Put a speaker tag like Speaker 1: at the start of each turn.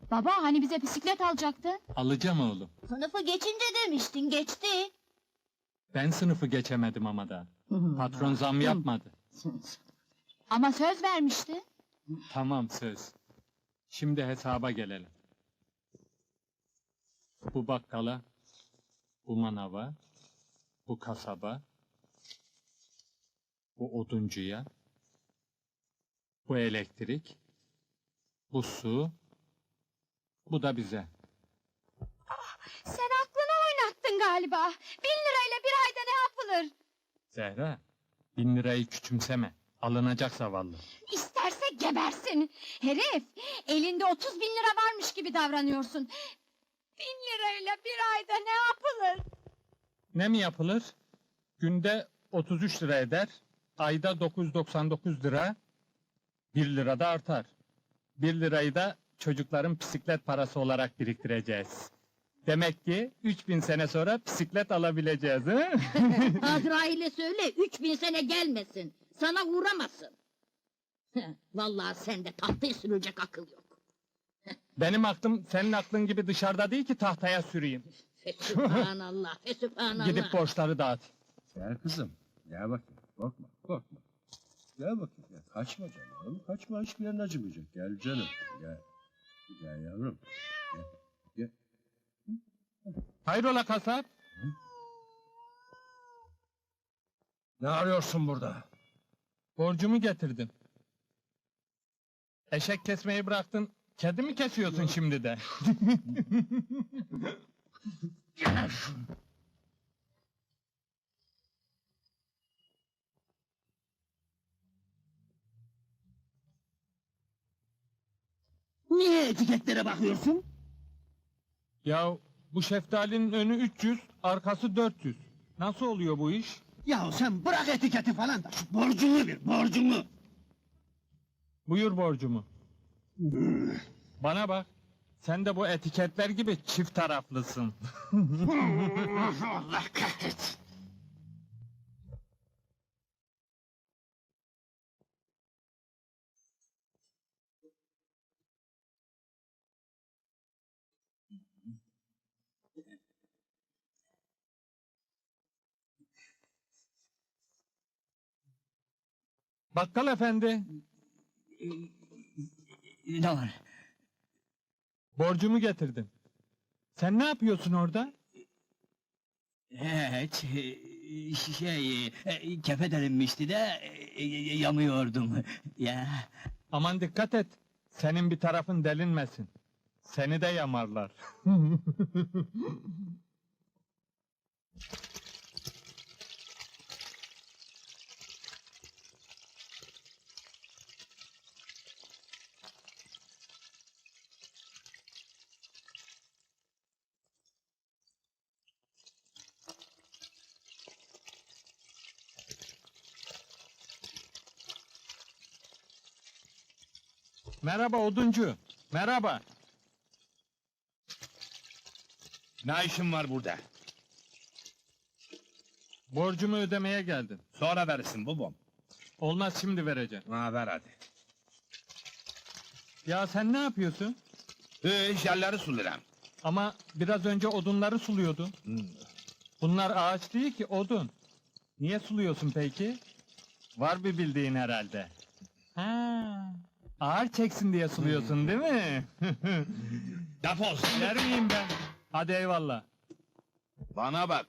Speaker 1: Baba hani bize bisiklet alacaktın?
Speaker 2: Alacağım oğlum.
Speaker 1: Sınıfı geçince demiştin, geçti.
Speaker 2: Ben sınıfı geçemedim ama da. Patron zam yapmadı.
Speaker 1: Ama söz vermişti.
Speaker 2: Tamam söz. Şimdi hesaba gelelim. Bu bakkala, bu manava, bu kasaba, bu oduncuya, bu elektrik, bu su, bu da bize.
Speaker 1: Sen aklını oynattın galiba. 1.000 lirayla bir ayda ne yapılır?
Speaker 2: Zehra, 1000 lirayı küçümseme. Alınacak zavallı.
Speaker 1: İsterse gebersin. Herif, elinde 30.000 lira varmış gibi davranıyorsun. 1.000 lirayla bir ayda ne yapılır?
Speaker 2: Ne mi yapılır? Günde 33 lira eder, ayda 999 lira, 1 lira da artar. 1 lirayı da çocukların bisiklet parası olarak biriktireceğiz. Demek ki 3000 sene sonra bisiklet alabileceğiz, he?
Speaker 3: Azrail'e söyle 3000 sene gelmesin. Sana uğramasın. Vallahi sende tahtaya sürülecek akıl yok.
Speaker 2: Benim aklım senin aklın gibi dışarıda değil ki tahtaya süreyim.
Speaker 3: Fesübhanallah, fesübhanallah.
Speaker 2: Gidip borçları dağıt.
Speaker 4: Gel kızım, gel bakayım, korkma. Gel bakayım, gel. Kaçma canım, kaçma, hiçbir yerin acımayacak. Gel canım, gel yavrum, gel.
Speaker 2: Hayrola kasap?
Speaker 4: Ne arıyorsun burada?
Speaker 2: Borcumu getirdim. Eşek kesmeyi bıraktın, kedi mi kesiyorsun şimdi de?
Speaker 5: Niye etiketlere bakıyorsun?
Speaker 2: Ya bu şeftalinin önü 300, arkası 400. Nasıl oluyor bu iş?
Speaker 5: Yahu sen bırak etiketi falan da şu borcunu ver, borcunu!
Speaker 2: Buyur borcumu. Bana bak, sen de bu etiketler gibi çift taraflısın.
Speaker 5: Allah kahretsin!
Speaker 2: Bakkal efendi,
Speaker 5: Ne var?
Speaker 2: borcumu getirdim. Sen ne yapıyorsun orada?
Speaker 5: Hiç, kefe delinmişti de yamıyordum. Ya,
Speaker 2: Aman dikkat et, senin bir tarafın delinmesin. Seni de yamarlar. Merhaba oduncu, merhaba.
Speaker 6: Ne işin var burada?
Speaker 2: Borcumu ödemeye geldim.
Speaker 6: Sonra verirsin babam.
Speaker 2: Olmaz şimdi vereceğim.
Speaker 6: Ha ver hadi.
Speaker 2: Ya sen ne yapıyorsun?
Speaker 6: Jelleri sularım.
Speaker 2: Ama biraz önce odunları suluyordun. Bunlar ağaç değil ki odun. Niye suluyorsun peki? Var bir bildiğin herhalde. Ha, ağır çeksin diye suluyorsun değil mi?
Speaker 6: Defol.
Speaker 2: Yer miyim ben? Hadi eyvallah.
Speaker 6: Bana bak.